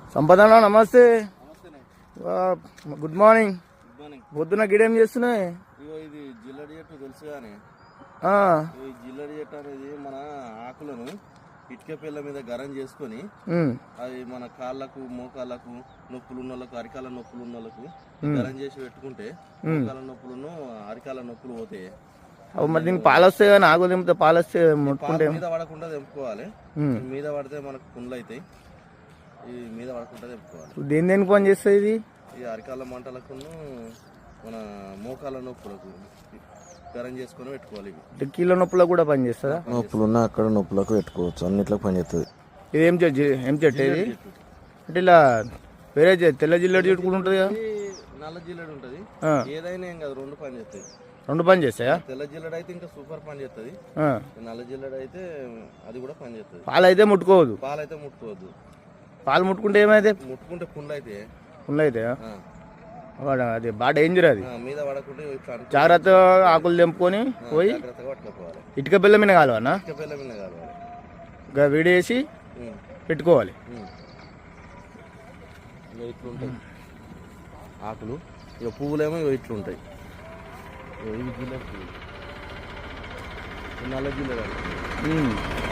సంపదనా నమస్తే. Good morning. పొద్దున గిడేం చేస్తున్నాయి? ఇది జిల్లడి చెట్టు తెలుసు కానీ ఈ జిల్లడి చెట్టు అనేది మన ఆకులను ఇటుక పిల్ల మీద గరం చేసుకొని అది మన కాళ్ళకు మోకాళ్ళకు నొప్పులు ఉన్న వాళ్ళకు అరికాల నొప్పులు ఉన్న వాళ్ళకు గరం చేసి పెట్టుకుంటే మోకాల నొప్పులను అరికాల నొప్పులు పోతాయి. మరి దీనికి పాలు వస్తాయి కానీ ఆకు తెంపితే పాలు వస్తే ముట్టుకుంటే మీద పడకుండా తెంపుకోవాలి. మీద పడితే మనకు పుండ్లు అవుతాయి. ఈ మీద పడకుండా తెంపుకోవాలి. దేనికి పని చేస్తాయి ఇది? ఈ అరికాల మంటలకు మన మోకాల నొప్పులకు గరం చేసుకొని పెట్టుకోవాలి. కీళ్ళ నొప్పులకు కూడా పని చేస్తుందా? నొప్పులు ఉన్నా అక్కడ నొప్పులకు పెట్టుకోవచ్చు, అన్నిట్లకు పని చేస్తుంది. ఇది ఏం చెట్టు ఇది? అంటే ఇలా వేరే తెల్ల జిల్లడి చెట్టు కూడా ఉంటుంది కదా? నల్ల జిల్లడి ఉంటుంది. ఏదైనా ఏం కాదు, రెండు పని చేస్తాయి. రెండు పని చేస్తాయా? తెల్ల జిల్లడి అయితే ఇంకా సూపర్ పని చేస్తుంది. నల్ల జిల్లడి అయితే అది కూడా పని చేస్తుంది. పాలు అయితే ముట్టుకోవద్దు. పాలు అయితే ముట్టుకోవద్దు. పాలు ముట్టుకుంటే ఏమైతే? ముట్టుకుంటే పుండ్లు అయితే అది బాగా డేంజర్. అది మీద పడకుండా జాగ్రత్తగా ఆకులు తెంపుకొని పోయి ఇటుక బిల్ల మీద కాలవనా? ఇటుక బిల్ల మీద కాలవాలి. ఇంకా వేడేసి పెట్టుకోవాలి. ఇట్లుంటాయి ఆకులు. ఇక పువ్వులేమో ఇట్లుంటాయి. ఇవి జిల్లె పువ్వు, నల్ల జిల్లె.